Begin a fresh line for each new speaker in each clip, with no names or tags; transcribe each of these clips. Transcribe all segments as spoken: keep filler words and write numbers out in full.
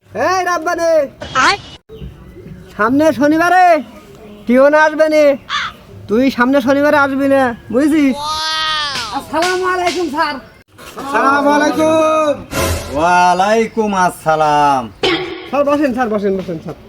এই রাব্বানি সামনে শনিবারে টিওন আসবে নি, তুই সামনে শনিবারে আসবি না, বুঝছিস? আসসালামু আলাইকুম স্যার।
আসসালামু আলাইকুম। ওয়ালাইকুম আসসালাম।
স্যার বসেন, স্যার বসেন বসেন স্যার।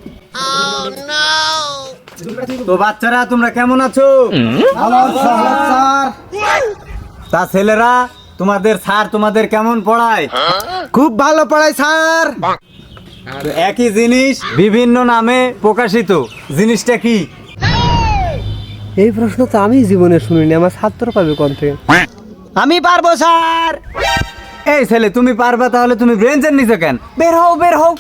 তো বাচ্চারা তোমরা কেমন আছো? ভালো আছি স্যার। তা ছেলেরা তোমাদের স্যার তোমাদের কেমন পড়ায়?
খুব ভালো পড়াই স্যার।
তো একই জিনিস বিভিন্ন নামে প্রকাশিত, জিনিসটা কি?
এই প্রশ্ন তো আমি জীবনে শুনিনি, আমার ছাত্র পাবে কোন থেকে?
আমি পারবো স্যার। এই ছেলে তুমি পারবা, তাহলে তুমি ব্রেঞ্চের নিচে কেন? বের হও বের হও।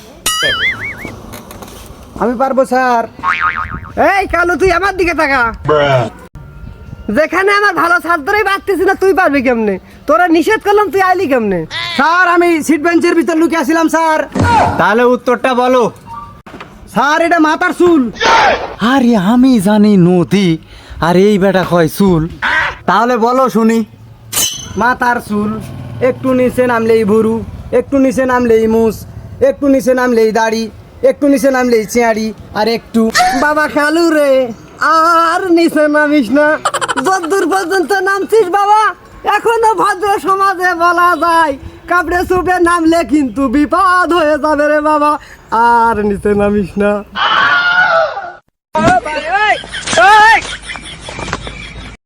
আমি পারবো স্যার। এই কালু তুই আমার দিকে তাকা। যেখানে আমার ভালো ছাত্রই পারতেছি না, তুই পারবি কেমনে? তোরা নিষেধ করলাম, তুই আইলি কেমনে?
স্যার আমি সিট বেঞ্চের ভিতর লুকিয়ে আসছিলাম স্যার। তাহলে উত্তরটা বলো।
স্যার এটা মাথার চুল।
আরে আমি জানি নদী, আর এই বেটা কয় চুল। তাহলে বলো শুনি।
মাথার চুল, একটু নিচে নামলেই ভুরু, একটু নিচে নামলেই মুস, একটু নিচে নামলেই দাড়ি, একটু নিচে নামলেই চেয়ারি, আর একটু বাবা খালু রে, আর নিচে নামিস না। যতদূর পর্যন্ত নামছিস বাবা, এখনো ভদ্র সমাজে বলা যায় কাপড়ে চুপে নামলে কিন্তু বিপদ হয়ে যাবে রে বাবা, আর নিচে নামিস না।